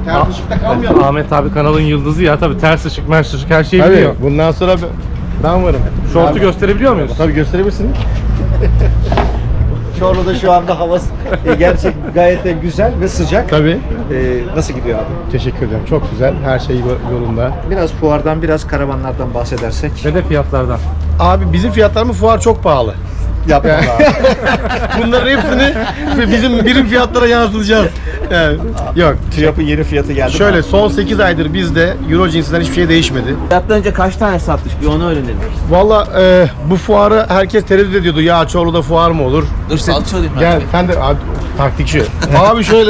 Ters ışıkta kalmayalım. Ahmet abi kanalın yıldızı ya, tabii ters ışık, mers ışık her şeyi Tabii, biliyor. bundan sonra ben varım. Şortu Abi, gösterebiliyor muyuz? tabii gösterebilirsin. Çorlu'da şu anda hava gerçekten gayet de güzel ve sıcak. Tabii. Nasıl gidiyor abi? Teşekkür ederim. Çok güzel. Her şey yolunda. Biraz fuardan, biraz karavanlardan bahsedersek. Ve de fiyatlardan. Abi bizim fiyatlarımız fuar çok pahalı. Yapma abi. Bunların hepsini bizim birim fiyatlara yansıtacağız. Yani, yok. TÜYAP'ın yeni fiyatı geldi. Şöyle son 8 aydır bizde Euro cinsinden hiçbir şey değişmedi. Fiyattan önce kaç tane satmış bir onu öğrenelim. Valla bu fuarı herkes tereddüt ediyordu. Ya Çorlu'da fuar mı olur? Dur salça olayım ben. Gel sen de abi, taktikçi. Abi şöyle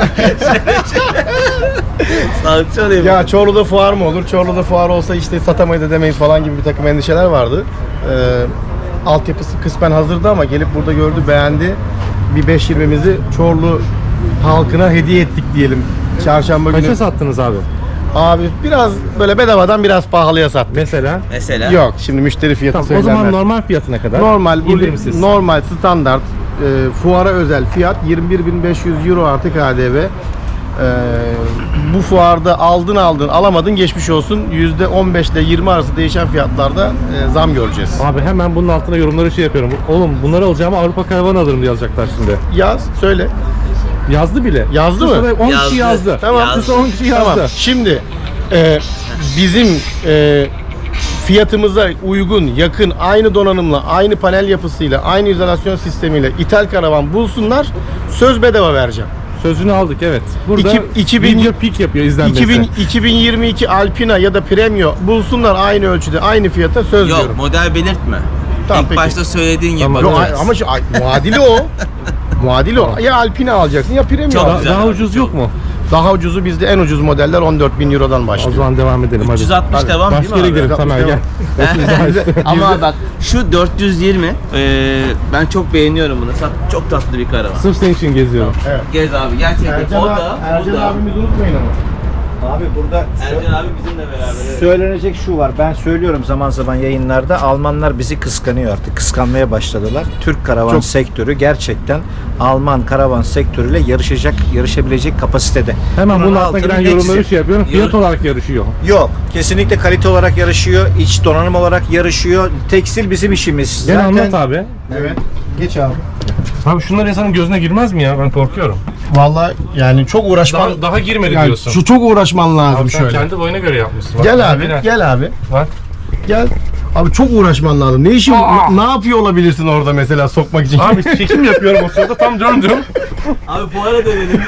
Salça olayım. ya Çorlu'da fuar mı olur? Çorlu'da fuar olsa işte satamayız edemeyiz falan gibi bir takım endişeler vardı. Altyapısı kısmen hazırdı ama gelip burada gördü, beğendi. Bir 5.20'mizi Çorlu halkına hediye ettik diyelim. Çarşamba günü. Kaça sattınız abi? Abi biraz böyle bedavadan biraz pahalıya sattık. Mesela? Mesela. Yok şimdi müşteri fiyatı Tamam, o söylenmez. zaman normal fiyatına kadar. Normal, indirimsiz. normal standart fuara özel fiyat 21.500 euro artı KDV. Bu fuarda aldın alamadın geçmiş olsun. %15 ile 20 arası değişen fiyatlarda zam göreceğiz. Abi hemen bunun altına yorumları şey yapıyorum. Oğlum bunları alacağıma Avrupa karavanı alırım diye yazacaklar şimdi. Yaz, söyle. Yazdı bile. Yazdı mı? 10 kişi yazdı. Tamam. Yazdı. 10 kişi yazdı. Tamam. Şimdi bizim fiyatımıza uygun, yakın, aynı donanımla, aynı panel yapısıyla, aynı izolasyon sistemiyle ithal karavan bulsunlar. Söz bedava vereceğim. Sözünü aldık, evet. Burada 2000 video peak yapıyor izlenmesi. 2022 Alpina ya da Premio bulsunlar aynı ölçüde, aynı fiyata söz Yok diyorum. model belirtme. Tamam, İlk peki. başta söylediğin gibi Tamam. Yok, bakacağız. ama muadili o. Muadili o. Ya Alpina alacaksın ya Premio Çok alacaksın. güzel. Daha ucuz yok mu? Daha ucuzu bizde en ucuz modeller 14.000 Euro'dan O başlıyor. zaman devam edelim hadi. 360 devam değil mi Başka yere abi? gidelim Tamer gel. Ama bak şu 420 ben çok beğeniyorum bunu. Çok tatlı bir karavan. Sırf senin için geziyorum. Gez abi gerçekten. O da bu da. abimizi unutmayın ama. Abi burada Ercan abi bizimle beraber. Evet. söylenecek şu var. Ben söylüyorum zaman zaman yayınlarda. Almanlar bizi kıskanıyor artık. Kıskanmaya başladılar. Türk karavan Çok. sektörü gerçekten Alman karavan sektörüyle yarışabilecek kapasitede. Hemen bunun altına altını giren eksi. yorumları şey yapıyorum. Fiyat olarak yarışıyor. Yok. Kesinlikle kalite olarak yarışıyor. İç donanım olarak yarışıyor. Tekstil bizim işimiz. Gel anlat abi. Evet. Geç abi. Abi şunlar insanın gözüne girmez mi ya? Ben korkuyorum. Vallahi yani çok uğraşman Daha girmedi yani diyorsun. şu çok uğraşman lazım Abi sen şöyle. kendi boyuna göre yapmışsın. Bak, Gel abi, biraz. gel abi. Bak. Gel. Abi çok uğraşman lazım. Ne yapıyor olabilirsin orada mesela sokmak için? Abi çekim yapıyorum o sırada tam döndüm. Abi fuara dönelim.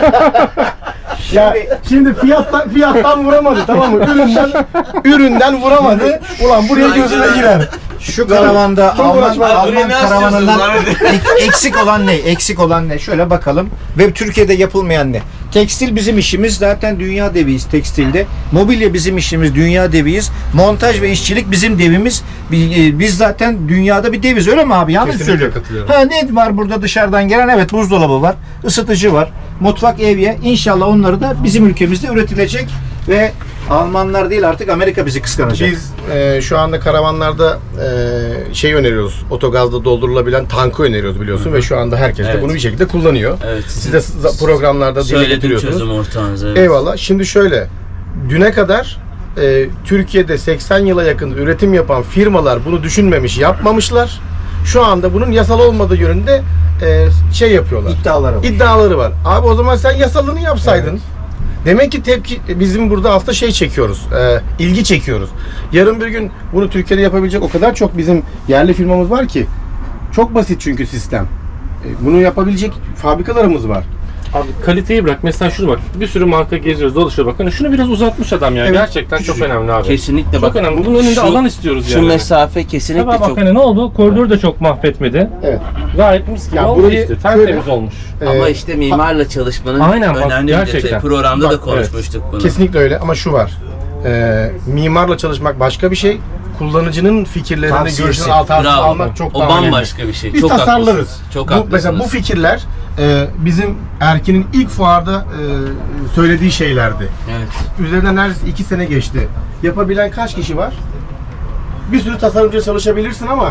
ya şimdi fiyattan vuramadı, tamam mı? Üründen vuramadı. Ulan buraya gözüne girer. Şu karavanda Çok Alman uğraşma. Buraya ne karavanından asıyorsunuz eksik olan ne? Eksik olan ne? Şöyle bakalım. Ve Türkiye'de yapılmayan ne? Tekstil bizim işimiz. Zaten dünya deviyiz tekstilde. Mobilya bizim işimiz. Dünya deviyiz. Montaj ve işçilik bizim devimiz. Biz zaten dünyada bir deviz. Öyle mi abi? Yanlış Kesinlikle söylüyorum. katılıyorum. Ha, ne var burada dışarıdan gelen? Evet, buzdolabı var. Isıtıcı var. Mutfak, evye. İnşallah onları da bizim ülkemizde üretilecek ve Almanlar değil artık Amerika bizi kıskanacak. Biz şu anda karavanlarda şey öneriyoruz. Otogazda doldurulabilen tankı öneriyoruz biliyorsun ve şu anda herkes de Evet. bunu bir şekilde kullanıyor. Evet. Siz de programlarda dile Söyledim getiriyorsunuz. çözüm ortağınız. Evet. Eyvallah. Şimdi şöyle, düne kadar Türkiye'de 80 yıla yakın üretim yapan firmalar bunu düşünmemiş, yapmamışlar. Şu anda bunun yasal olmadığı yönünde şey yapıyorlar. İddiaları var. Abi o zaman sen yasalını yapsaydın. Evet. Demek ki bizim burada aslında şey çekiyoruz, ilgi çekiyoruz. Yarın bir gün bunu Türkiye'de yapabilecek o kadar çok bizim yerli firmamız var ki. Çok basit çünkü sistem. Bunu yapabilecek fabrikalarımız var. Abi kaliteyi bırak. Mesela şunu bak. Bir sürü marka geziyoruz, dolaşıyor bak. Hani şunu biraz uzatmış adam ya. Evet. Gerçekten çok önemli abi. Kesinlikle Çok bak. önemli. Bunun önünde alan istiyoruz Şu yani. mesafe kesinlikle Tabii bak çok. hani ne oldu? Koridoru da çok mahvetmedi. Evet. Gayet mis gibi Ya oldu burayı işte. Tertemiz olmuş. Ama işte mimarla çalışmanın Aynen bak, önemli bir gerçekten. detayı. Programda Bak, da konuşmuştuk bunu. Kesinlikle öyle ama şu var. Mimarla çalışmak başka bir şey. Kullanıcının fikirlerini, Tavsiyesi. görüşlerini Bravo. almak çok O daha bambaşka bir şey. Biz Çok tasarlarız. haklısınız. Çok haklısınız. Mesela bu fikirler bizim Erkin'in ilk fuarda söylediği şeylerdi. Evet. Üzerinden neredeyse 2 sene geçti. Yapabilen kaç kişi var? Bir sürü tasarımcı çalışabilirsin ama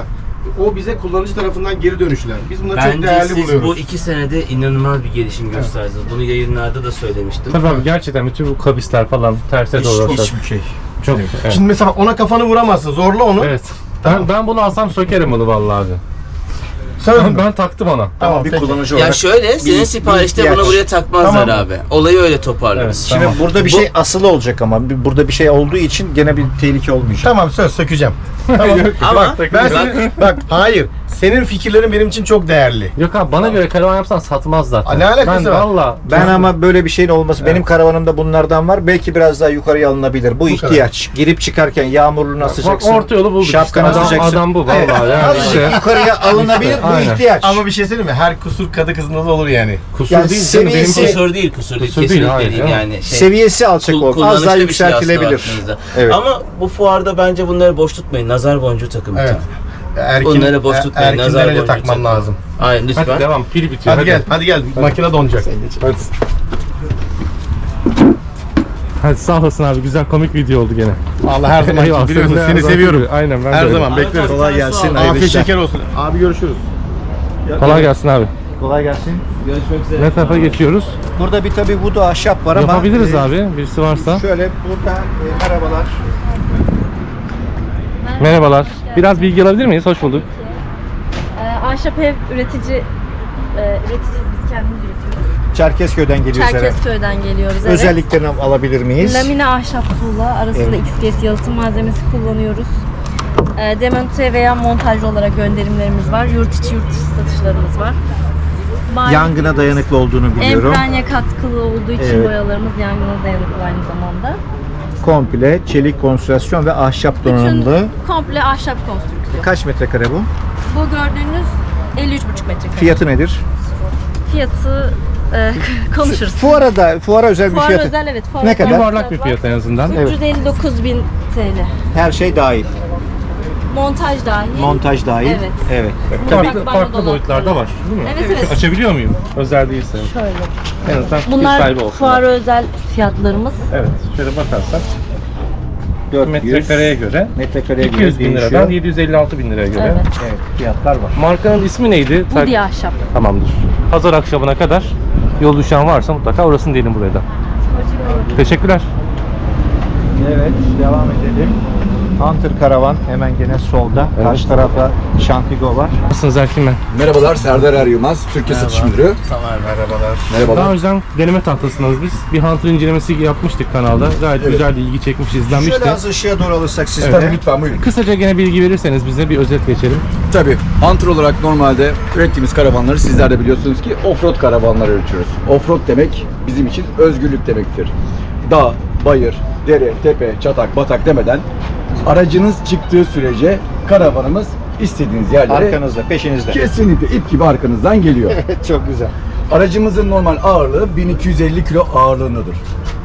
o bize kullanıcı tarafından geri dönüşler. Biz bunları çok Bence değerli siz buluyoruz. bu 2 senede inanılmaz bir gelişim gösterdiniz. Bunu yayınlarda da söylemiştim. Tabii abi gerçekten bütün bu kabisler falan terse doğru. Hiçbir şey. Çok. Evet. Şimdi mesela ona kafanı vuramazsın. Zorla onu. Evet. Ben bunu alsam sökerim bunu vallahi abi. Söz mü? Ben taktım ona. Tamam, bir peki. kullanıcı Ya olarak. şöyle, senin siparişte bunu ihtiyaç. buraya takmazlar Tamam. abi. Olayı öyle toparlarız. Evet. Şimdi Tamam. burada bir şey asılı olacak ama burada bir şey olduğu için gene bir tehlike olmayacak. Tamam, söz sökeceğim. Tamam. Ama Ben senin, bak hayır. Senin fikirlerin benim için çok değerli. Yok abi bana göre karavan yapsan satmaz zaten. Ne alakası ben var? Valla. Ben ama böyle bir şeyin olması, benim karavanımda bunlardan var. Belki biraz daha yukarıya alınabilir. Bu ihtiyaç. Girip çıkarken yağmurluğunu asacaksın. Orta yolu bulduk Şapkanı işte. asacaksın. Adam bu vallahi Evet, yani azıcık işte. yukarıya alınabilir bu Aynen. ihtiyaç. Ama bir şey söyleyeyim mi? Her kusur kadı kızında da olur yani. Kusur Yani değil canım benim seviyesi- kusur değil, kusur değil. Kusur değil, Kesinlikle hayır, değil ya. yani. Şey, seviyesi alçak oldu. Az kullanışlı daha bir şey aslında yükseltilebilir. baktığınızda. Evet. Ama bu fuarda bence bunları boş tutmayın. Nazar boncuğu takın. Evet. Bunları boş tutmayın. Nazar Erkin'den önce boncuğu takman takın. lazım. Aynen lütfen. Hadi devam pil bitiyor. Hadi gel. Makine donacak. Hadi. Hadi sağ olasın abi güzel komik video oldu gene. Allah her zaman Eyvallah, biliyorsun senin de seni her zaman seviyorum. gibi. Aynen ben de Her öyle. zaman bekleriz. Kolay gelsin. hayırlı Afiyet işler. şeker olsun. Abi görüşürüz. Kolay gelsin abi. Kolay gelsin. Görüşmek üzere. Ne tarafa geçiyoruz? Burada bir tabii vudu ahşap var ama Yapabiliriz abi birisi varsa. Şöyle burada merhabalar. Merhabalar. Biraz bilgi alabilir miyiz? Hoş bulduk. Ahşap ev üreticiyiz biz kendimiz üretiyoruz. Çerkezköy'den geliyoruz herhalde. Çerkezköy'den geliyoruz evet. Özelliklerini alabilir miyiz? Lamine ahşap tuğla arasında XPS yalıtım malzemesi kullanıyoruz. Demonte veya montajlı olarak gönderimlerimiz var. Yurt içi satışlarımız var. Yangına dayanıklı olduğunu biliyorum. Emprenya katkılı olduğu için Evet. boyalarımız yangına dayanıklı aynı zamanda. Komple çelik konstrüksiyon ve ahşap Bütün donanımlı. komple ahşap konstrüksiyon. Kaç metrekare bu? Bu gördüğünüz 53,5 metrekare. Fiyatı nedir? Fiyatı konuşuruz. Fuara özel bir Fuar fiyatı. özel evet. fuar Ne özel kadar? Yuvarlak bir fiyat en azından. Evet. 359.000 TL. Her şey dahil. Montaj dahil. Montaj dahil. Evet. Evet. Farklı boyutlarda var değil mi? Evet evet. Açabiliyor muyum? Özel değilse. Şöyle. En azından fikir Bunlar sahibi olsun. fuara özel fiyatlarımız. Evet. Şöyle bakarsak 400 metrekareye göre metrekareye 200 bin değişiyor. liradan 756 bin liraya göre. Evet. Evet, fiyatlar var. Markanın ismi neydi? Bu diye ahşap. Tamamdır. Pazar akşamına kadar yol düşen varsa mutlaka orasını diyelim buraya da. Teşekkürler. Evet, devam edelim. Hunter Karavan hemen gene solda. Karşı tarafta Şantigo var. Nasılsınız Erkin Bey? Merhabalar, Serdar Er Yılmaz, Türkiye Satış Müdürü. Merhabalar. Merhabalar. Daha önceden deneme tahtasındayız biz. Bir Hunter incelemesi yapmıştık kanalda. Gayet güzel, ilgi çekmiş, izlenmişti. Şöyle az ışığa doğru alırsak siz Tabii de. lütfen buyurun. Kısaca gene bilgi verirseniz bize bir özet geçelim. Tabii, Hunter olarak normalde ürettiğimiz karavanları sizler de biliyorsunuz ki offroad karavanlar üretiyoruz. Offroad demek bizim için özgürlük demektir. Dağ, bayır, dere, tepe, çatak, batak demeden aracınız çıktığı sürece karavanımız istediğiniz yerlere Arkanızda, peşinizde. kesinlikle ip gibi arkanızdan geliyor. Evet, çok güzel. Aracımızın normal ağırlığı 1250 kilo ağırlığındadır.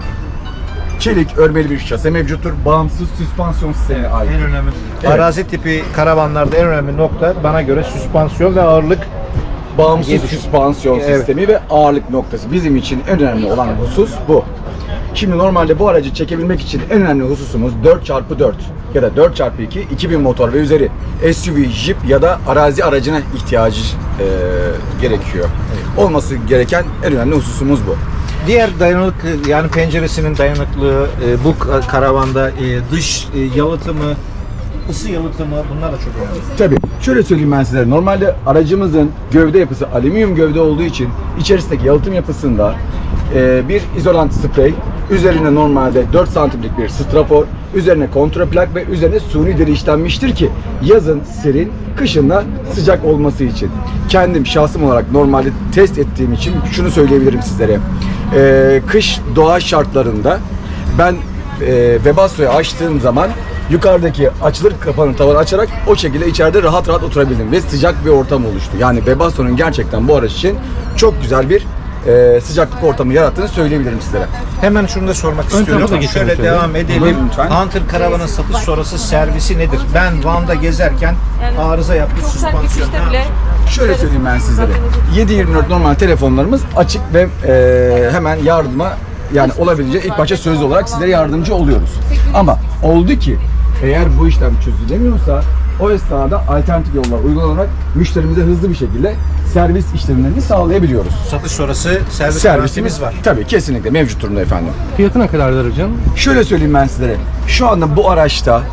Çelik örmeli bir şase mevcuttur. Bağımsız süspansiyon sistemine ait. En önemli. Evet. Arazi tipi karavanlarda en önemli nokta bana göre süspansiyon ve ağırlık. Bağımsız Geliş. süspansiyon Evet. sistemi ve ağırlık noktası. Bizim için en önemli olan husus bu. Şimdi normalde bu aracı çekebilmek için en önemli hususumuz 4x4 ya da 4x2 2000 motor ve üzeri SUV, Jeep ya da arazi aracına ihtiyacı gerekiyor. Olması gereken en önemli hususumuz bu. Diğer dayanıklı yani penceresinin dayanıklılığı, bu karavanda dış yalıtımı, ısı yalıtımı bunlar da çok önemli. Tabii. Şöyle söyleyeyim ben size. Normalde aracımızın gövde yapısı alüminyum gövde olduğu için içerisindeki yalıtım yapısında bir izolant sprey, üzerine normalde 4 santimlik bir strafor, üzerine kontraplak ve üzerine suni deri işlenmiştir ki yazın serin, kışın da sıcak olması için. Kendim şahsım olarak normalde test ettiğim için şunu söyleyebilirim sizlere. Kış doğa şartlarında ben Webasto'yu açtığım zaman yukarıdaki açılır kapanır tavanı açarak o şekilde içeride rahat rahat oturabildim ve sıcak bir ortam oluştu. Yani Webasto'nun gerçekten bu araç için çok güzel bir sıcaklık ortamı yarattığını söyleyebilirim sizlere. Hemen şunu da sormak tarafa da istiyorum. geçelim Şöyle şöyle. devam edelim. Buyurun lütfen. Hunter karavanın satış sonrası servisi nedir? Ben Van'da gezerken arıza yaptı süspansiyon. Şöyle söyleyeyim ben sizlere. 7/24 normal telefonlarımız açık ve hemen yardıma yani olabileceği ilk başta sözlü olarak sizlere yardımcı oluyoruz. Ama oldu ki eğer bu işlem çözülemiyorsa O esnada alternatif yollar uygulanarak müşterimize hızlı bir şekilde servis işlemlerini sağlayabiliyoruz. Satış sonrası servis garantimiz var. Tabii kesinlikle mevcut durumda efendim. Fiyatı ne kadar aracın? Şöyle söyleyeyim ben sizlere. Şu anda bu araçta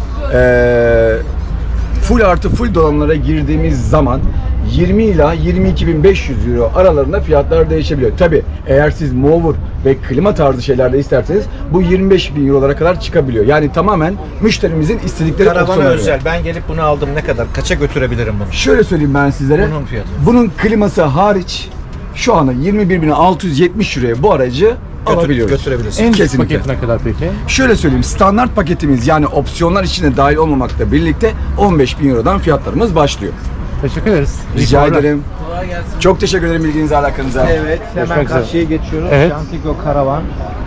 full artı full donanımlara girdiğimiz zaman 20 ila 22.500 euro aralarında fiyatlar değişebiliyor. Tabi eğer siz mower ve klima tarzı şeylerde isterseniz bu 25.000 eurolara kadar çıkabiliyor. Yani tamamen müşterimizin istedikleri Karavana opsiyona göre. özel. Ben gelip bunu aldım, ne kadar? Kaça götürebilirim bunu? Şöyle söyleyeyim ben sizlere. Bunun fiyatı. Bunun kliması hariç şu anda 21.670 euroya bu aracı alabiliyoruz. götürebilirsin. En düşük Kesinlikle. paketi ne kadar peki? Şöyle söyleyeyim, standart paketimiz yani opsiyonlar içine dahil olmamakla birlikte 15.000 eurodan fiyatlarımız başlıyor. Teşekkür ederiz. İyi Rica fuarlar. ederim. Çok teşekkür ederim ilginize, alakanıza. Evet, hemen Görüşmek üzere. karşıya geçiyoruz. Evet. Şantigo Karavan.